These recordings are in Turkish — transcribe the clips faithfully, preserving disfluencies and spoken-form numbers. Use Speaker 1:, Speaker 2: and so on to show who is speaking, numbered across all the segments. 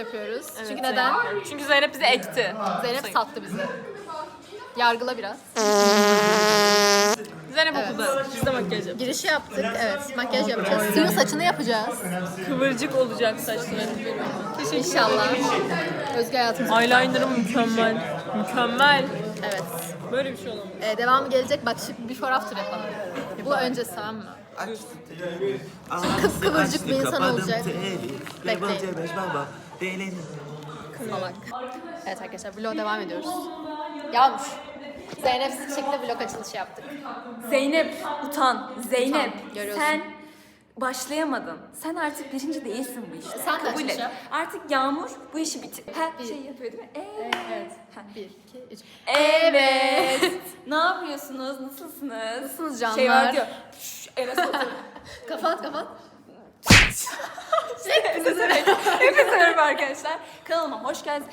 Speaker 1: yapıyoruz.
Speaker 2: Evet,
Speaker 1: Çünkü
Speaker 2: Zeynep.
Speaker 1: neden?
Speaker 2: Çünkü Zeynep bizi ekti.
Speaker 1: Zeynep sattı bizi. Yargıla biraz.
Speaker 2: Zeynep
Speaker 1: Evet.
Speaker 2: okulda. Biz de makyaj yapacağız.
Speaker 1: Girişi yaptık. Evet, makyaj yapacağız. Suyun saçını yapacağız.
Speaker 2: Kıvırcık olacak saçları.
Speaker 1: İnşallah. Özgür hayatımız.
Speaker 2: Eyeliner'ım mükemmel. Mükemmel.
Speaker 1: Evet.
Speaker 2: Böyle bir şey olamaz.
Speaker 1: Ee, devamı gelecek. Bak şimdi before after yapalım. Bu öncesi, tamam mı? Kıvırcık bir insan olacak. Bekleyin. Salak. Evet arkadaşlar, vlog devam ediyoruz. Yağmur. Zeynep'siz bir şekilde vlog açılışı yaptık.
Speaker 3: Zeynep utan. Zeynep
Speaker 1: Utan, görüyorsun.
Speaker 3: sen başlayamadın. Sen artık birinci değilsin bu işte.
Speaker 1: Sen de
Speaker 3: Kabul et.
Speaker 1: açılış yap.
Speaker 3: Artık Yağmur bu işi bitir. Ha
Speaker 1: Bir.
Speaker 3: şey yapıyor değil mi? Evet.
Speaker 1: Evet.
Speaker 3: Ha.
Speaker 1: Bir, iki, üç.
Speaker 3: Evet. Ne yapıyorsunuz? Nasılsınız?
Speaker 1: Nasılsınız canlar?
Speaker 3: Şey var diyor. Şşş, Enes otur.
Speaker 1: Kapat kapat.
Speaker 3: Hepinize Hepinize merhaba arkadaşlar. Kanalıma hoş geldiniz.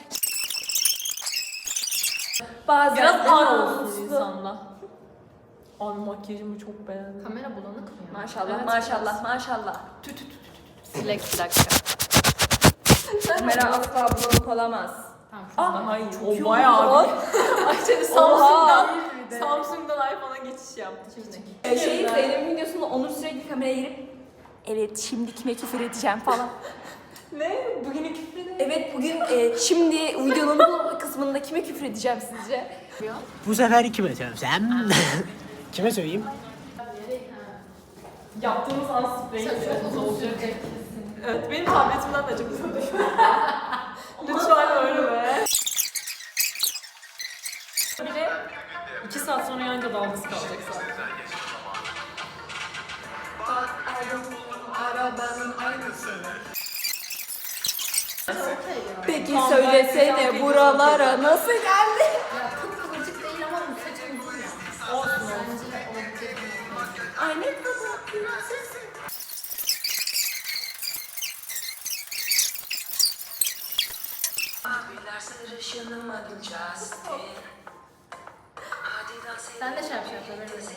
Speaker 3: Bazen
Speaker 2: Biraz
Speaker 3: de
Speaker 2: ağır
Speaker 3: namuslu.
Speaker 2: olsun insanla. Abi makyajımı çok beğendim.
Speaker 1: Kamera bulanık mı ya?
Speaker 3: Maşallah
Speaker 2: Evet,
Speaker 3: maşallah maşallah. Tü tü tü tü.
Speaker 1: Dilek bir dakika.
Speaker 3: Kamera asla bulanık olamaz.
Speaker 1: Tamam.
Speaker 3: Ah,
Speaker 2: Daha iyi.
Speaker 3: çok
Speaker 2: O
Speaker 3: iyi
Speaker 2: bayağı
Speaker 3: oldu.
Speaker 2: abi. Ayşe
Speaker 3: Samsung'dan-
Speaker 2: Samsung'dan Samsung'dan iPhone'a geçiş yaptı şimdi.
Speaker 3: Ee, Şey Zeynep'in videosunda Onur sürekli kameraya girip evet şimdi kime küfür edeceğim falan.
Speaker 2: Ne? Bugünün küfrü ne?
Speaker 3: Evet bugün e, şimdi videonun bu kısmında kime küfür edeceğim sizce?
Speaker 4: Bu sefer kime söylesem? Kime söyleyeyim?
Speaker 2: Yaptığımız an spreyi çok olacak. Evet, benim tabletimden de çok uzun düşüyor. Lütfen öyle be. Bir de iki saat sonra yanınca dalgası kalacak zaten.
Speaker 3: Peki söylesene buralara nasıl geldi?
Speaker 1: Ya kıvırcık değil ama bu saçın uzun ya.
Speaker 2: Olsun.
Speaker 1: Bence de olabilecek bir
Speaker 3: Ay ne kadar.
Speaker 1: Sen de şey yap şey yap. Böyle de.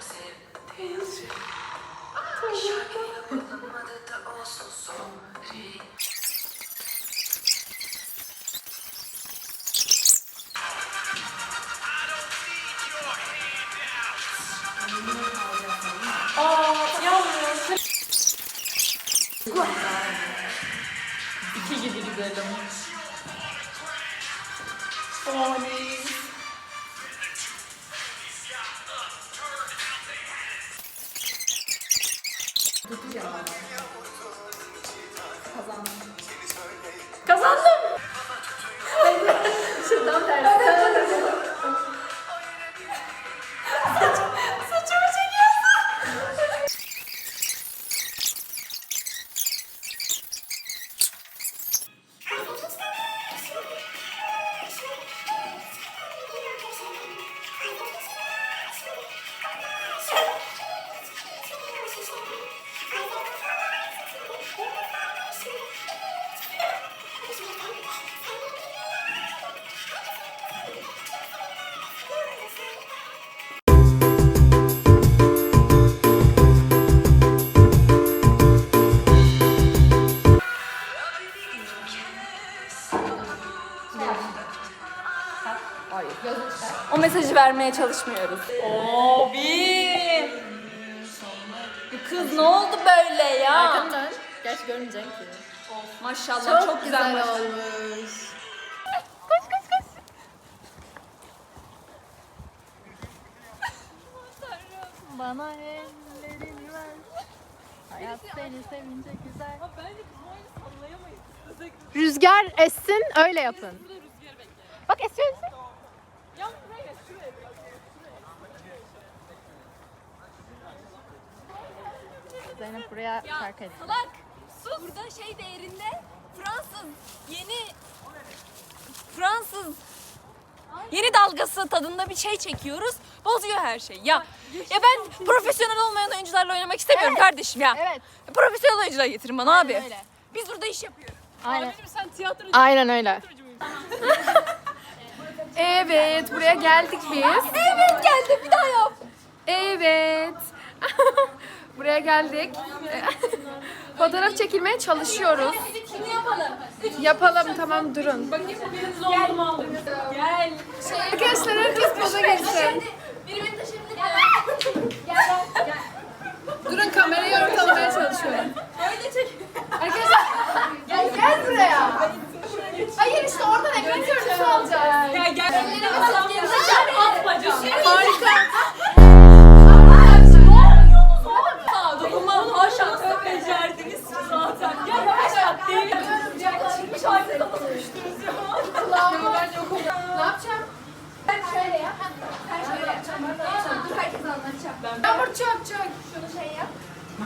Speaker 2: Aa, yavrum. İki gibi gidelim. Oley. Kazandım.
Speaker 1: Şimdi tam tersi.
Speaker 2: Saçımı çekiyorsun.
Speaker 3: O mesajı vermeye çalışmıyoruz.
Speaker 2: Abi.
Speaker 3: Kız ne oldu böyle ya?
Speaker 1: Arkanı dön. Gerçi görmeyeceksin ki.
Speaker 3: Maşallah
Speaker 1: Çok,
Speaker 3: çok,
Speaker 1: güzel,
Speaker 3: güzel,
Speaker 1: olmuş. Bana ellerini ver. Hayat seni sevince güzel.
Speaker 2: Bence kamerayı sallayamayız. Özellikle
Speaker 1: Rüzgar essin, öyle yapın.
Speaker 2: burada rüzgarı bekleyelim.
Speaker 1: Bak esiyor esiyor.
Speaker 2: Ya buraya şuraya biraz.
Speaker 1: Zeynep buraya şarkı ediyor.
Speaker 3: Salak. Sus. Burada şey değerinde Fransız yeni Fransız yeni dalgası tadında bir şey çekiyoruz. Bozuyor her şey. Ya ya ben profesyonel olmayan oyuncularla oynamak istemiyorum
Speaker 1: Evet.
Speaker 3: kardeşim ya.
Speaker 1: Evet.
Speaker 3: Profesyonel oyuncular getirin bana abi.
Speaker 1: öyle.
Speaker 3: Biz burada iş yapıyoruz.
Speaker 1: Aynen.
Speaker 2: Abicim sen tiyatrocu
Speaker 1: Aynen öyle.
Speaker 2: muydun?
Speaker 3: Evet, buraya geldik biz. Evet, geldik. Bir daha yap. Evet.
Speaker 2: Buraya geldik. Fotoğraf çekilmeye çalışıyoruz.
Speaker 3: Şunu yapalım.
Speaker 2: Yapalım, tamam, durun.
Speaker 3: Biriniz oldum aldım. Gel.
Speaker 2: Arkadaşlar herkes poza geçsin.
Speaker 3: Biri beni taşıyabilir mi?
Speaker 2: Durun, kamerayı ortalamaya çalışıyorum.
Speaker 3: Öyle çek.
Speaker 2: Arkadaşlar gel, gel buraya. Hayır, işte oradan ekran görüntüsü alacağız.
Speaker 3: Gel gel. At bacağım.
Speaker 2: Harika.
Speaker 3: Aa, dokunmam haşa tövbe becerdiniz siz zaten. Ya yavaş yap değil. Çıkmış halde kafası düştünüz ya.
Speaker 2: Ne yapacağım?
Speaker 3: Ben şöyle yap. Ben şöyle yapacağım. Dur herkes anlatacağım. Ben
Speaker 2: Yağmur çok çok.
Speaker 3: şunu şey yap.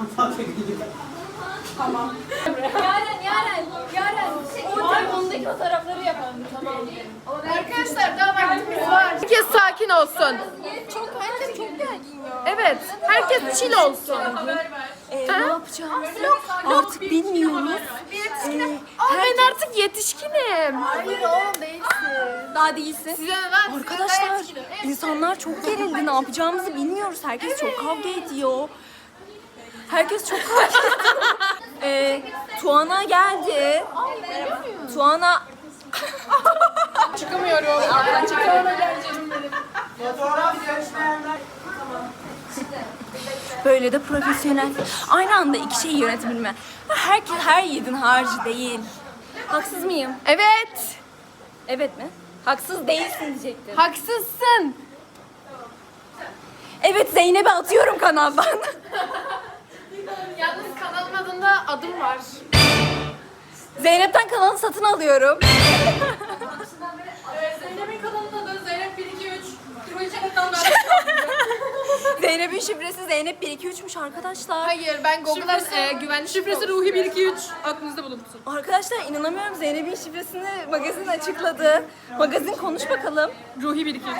Speaker 3: Tamam. Yaren, Yaren, Yaren. O telefondaki fotoğrafları yapalım. Tamam.
Speaker 2: Arkadaşlar daha vaktimiz var. Herkes sakin olsun.
Speaker 3: Çok, herkes çok gergin ya.
Speaker 2: Evet, herkes chill olsun.
Speaker 3: Ee, ne yapacağız? Artık bilmiyoruz. Ee,
Speaker 2: Aa, ben artık yetişkinim.
Speaker 3: Hayır oğlum değilsin. Daha değilsin.
Speaker 2: Size ne lan?
Speaker 3: Arkadaşlar insanlar çok gerildi. Ne yapacağımızı bilmiyoruz. Herkes çok kavga ediyor. Herkes çok kavga ediyor. Ee, Tuana geldi. Tuana
Speaker 2: Çıkamıyorum. Ben çıkamıyorum.
Speaker 3: böyle de profesyonel. Aynı anda iki şeyi yönetebilme. Herkes her yiğidin harcı değil. Haksız mıyım?
Speaker 2: Evet.
Speaker 3: Evet mi? Haksız değilsin diyecektim.
Speaker 2: Haksızsın.
Speaker 3: Evet, Zeynep'e atıyorum kanaldan.
Speaker 2: Yalnız kanalın adında adım var.
Speaker 3: Zeynep'ten kanalı satın alıyorum.
Speaker 2: Zeynep'in kanalında da Zeynep bir iki üç.
Speaker 3: Zeynep'in şifresi Zeynep bir iki üçmüş arkadaşlar.
Speaker 2: Hayır, ben Google'a e, güvenlik şifresi Ruhi bir iki üç. Aklınızda bulunsun.
Speaker 3: Arkadaşlar inanamıyorum, Zeynep'in şifresini magazin açıkladı. Magazin konuş bakalım.
Speaker 2: Ruhi bir iki üç.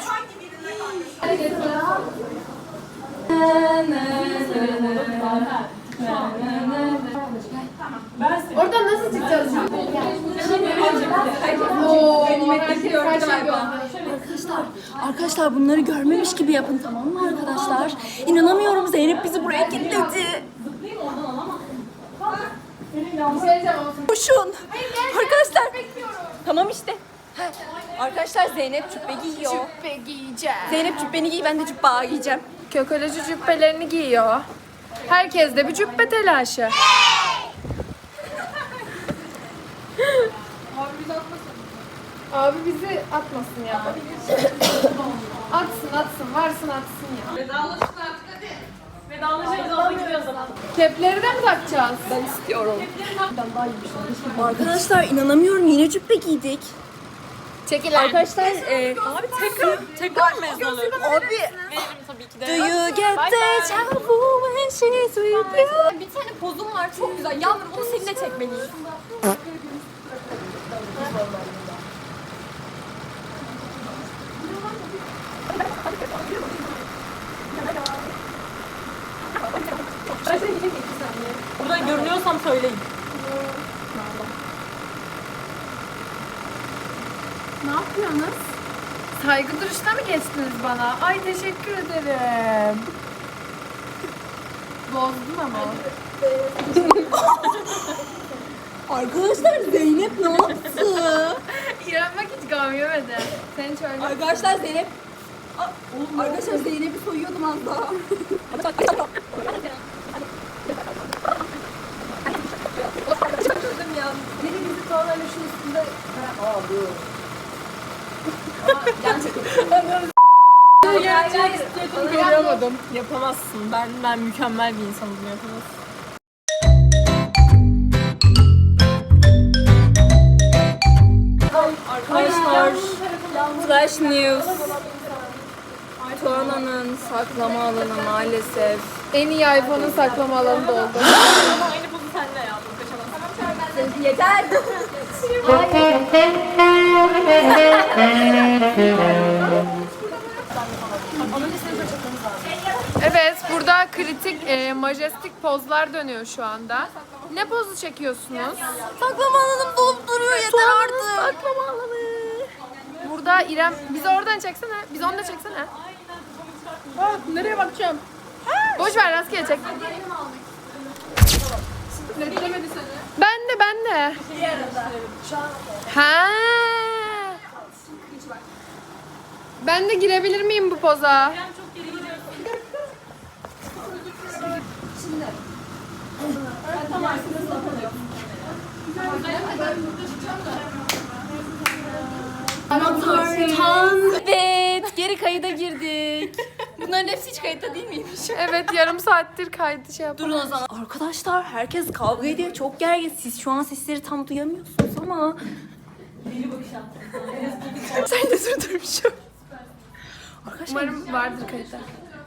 Speaker 2: Oradan nasıl çıkacağız? Oo,
Speaker 3: Arkadaşlar, arkadaşlar bunları görmemiş gibi yapın, tamam mı arkadaşlar? İnanamıyorum, Zeynep bizi buraya kilitledi. Koşun. Arkadaşlar. Tamam işte. Heh. Arkadaşlar Zeynep cübbe giyiyor.
Speaker 2: Cübbe giyeceğim.
Speaker 3: Zeynep cübbeni giy, ben de cübbe giyeceğim.
Speaker 2: Kökoleci cübbelerini giyiyor. Herkes de bir cübbe telaşı. Abi bizi atmasın ya. Atsın atsın, varsın atsın ya.
Speaker 1: Vedalaşın artık hadi. Vedalaşırız orada gidiyor o zaman.
Speaker 2: Kepleri de mi takacağız?
Speaker 3: Ben istiyorum. Arkadaşlar inanamıyorum, yine cübbe giydik.
Speaker 2: Çekil
Speaker 3: Arkadaşlar e,
Speaker 1: Abi tekrar, tekrar mezun oluyoruz.
Speaker 3: abi
Speaker 1: Veririm tabii ki de.
Speaker 3: do you get the trouble when she's with you?
Speaker 1: Bir tane pozum var çok güzel. Yavrum onu seninle çekmeliyiz. Burada görünüyorsam söyleyin.
Speaker 2: Ne yapıyorsunuz? Saygı duruşuna mı geçtiniz bana? Ay teşekkür ederim. Bozdun ama.
Speaker 3: Arkadaşlar Zeynep ne yaptı?
Speaker 2: İrem bak hiç gam yemedi. Sen hiç öyle.
Speaker 3: Arkadaşlar Zeynep Aa, Arkadaşlar Zeynep'i soyuyordum az daha. ya. Biri bizi tavayla şu üstünde... Aa dur. Yan çekelim.
Speaker 2: Görüyordum.
Speaker 1: Yapamazsın. Ben ben mükemmel bir insanım. Yapamazsın.
Speaker 3: Arkadaşlar Flash News. Tuana'nın saklama alanı maalesef.
Speaker 2: En iyi iPhone'un saklama alanı doldu.
Speaker 1: Ama aynı pozu senle yaptım. Kaçamazsın.
Speaker 3: Yeter.
Speaker 2: Evet, burada kritik, e, majestik pozlar dönüyor şu anda. Ne pozu çekiyorsunuz?
Speaker 3: Saklama alanım dolup duruyor, yeter artık.
Speaker 2: Saklama alanı. Burada İrem, bizi oradan çeksene. Biz onu da çeksene. Aa, nereye bakacağım?
Speaker 1: Boş ver rastgele çek. Ben de ben de. Ha. Ben de girebilir miyim bu poza?
Speaker 3: Evet, geri kayıda girdik. Bunların hepsi hiç kayıtta değil miymiş?
Speaker 1: Evet yarım saattir kaydı şey yapalım.
Speaker 3: Durun o zaman. Arkadaşlar herkes kavga ediyor. Çok gergin. Siz şu an sesleri tam duyamıyorsunuz ama. Sen de durdurmuşum. Arkadaşlar
Speaker 1: Umarım vardır kayıtta.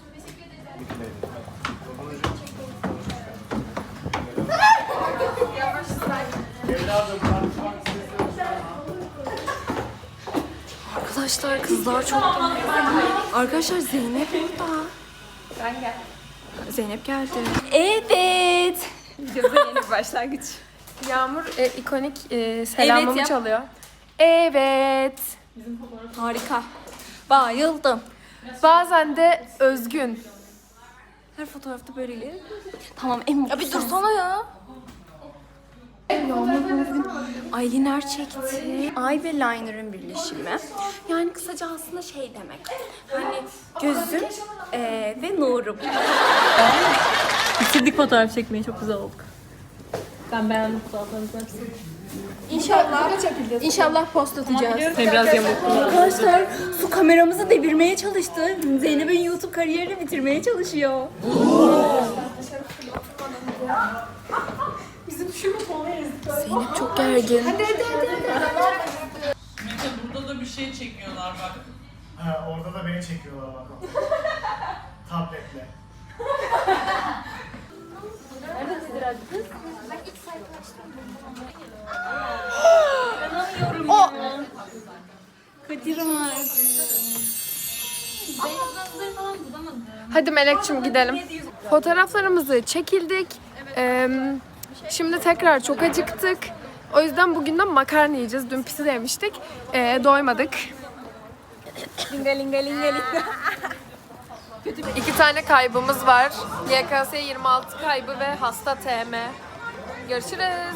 Speaker 3: Arkadaşlar kızlar çok Arkadaşlar Zeynep burada.
Speaker 1: Ben gel.
Speaker 3: Zeynep geldi. Evet. Videoda yeni bir başlangıç.
Speaker 1: Yağmur e, ikonik e, selamımı
Speaker 3: yap.
Speaker 1: çalıyor. Evet.
Speaker 3: Harika. Bayıldım.
Speaker 1: Bazen de özgün.
Speaker 3: Her fotoğrafta böyle ileri. Tamam en mutlu. Ya bir dursana ya. Eyeliner çekti. Eye ve liner'ın birleşimi. Yani kısaca aslında şey demek. Hani gözüm eee, ve nurum.
Speaker 2: Bitirdik fotoğraf çekmeyi, çok güzel olduk. Ben beğendim fotoğraflarınızı hepsini.
Speaker 3: İnşallah. İnşallah post atacağız.
Speaker 2: Seni biraz yamulttum.
Speaker 3: Arkadaşlar su kameramızı devirmeye çalıştı. Zeynep'in YouTube kariyerini bitirmeye çalışıyor. Zeynep çok gergin.
Speaker 5: Burada da bir şey çekiyorlar bak.
Speaker 6: Ha, orada da beni çekiyorlar bak. Tabletle.
Speaker 1: Hadi Melek'cim gidelim. Fotoğraflarımızı çekildik. Ee, şimdi tekrar çok acıktık. O yüzden bugünden makarna yiyeceğiz. Dün pisi de yemiştik. Ee, doymadık.
Speaker 3: Linga linga linga linga.
Speaker 1: İki tane kaybımız var. Y K S yirmi altı kaybı ve hasta T M. Görüşürüz.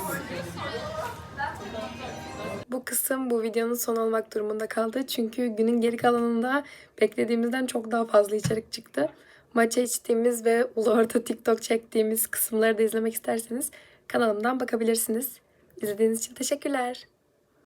Speaker 1: Bu kısım bu videonun son olmak durumunda kaldı. Çünkü günün geri kalanında beklediğimizden çok daha fazla içerik çıktı. Maça içtiğimiz ve ulu orta TikTok çektiğimiz kısımları da izlemek isterseniz kanalımdan bakabilirsiniz. İzlediğiniz için teşekkürler.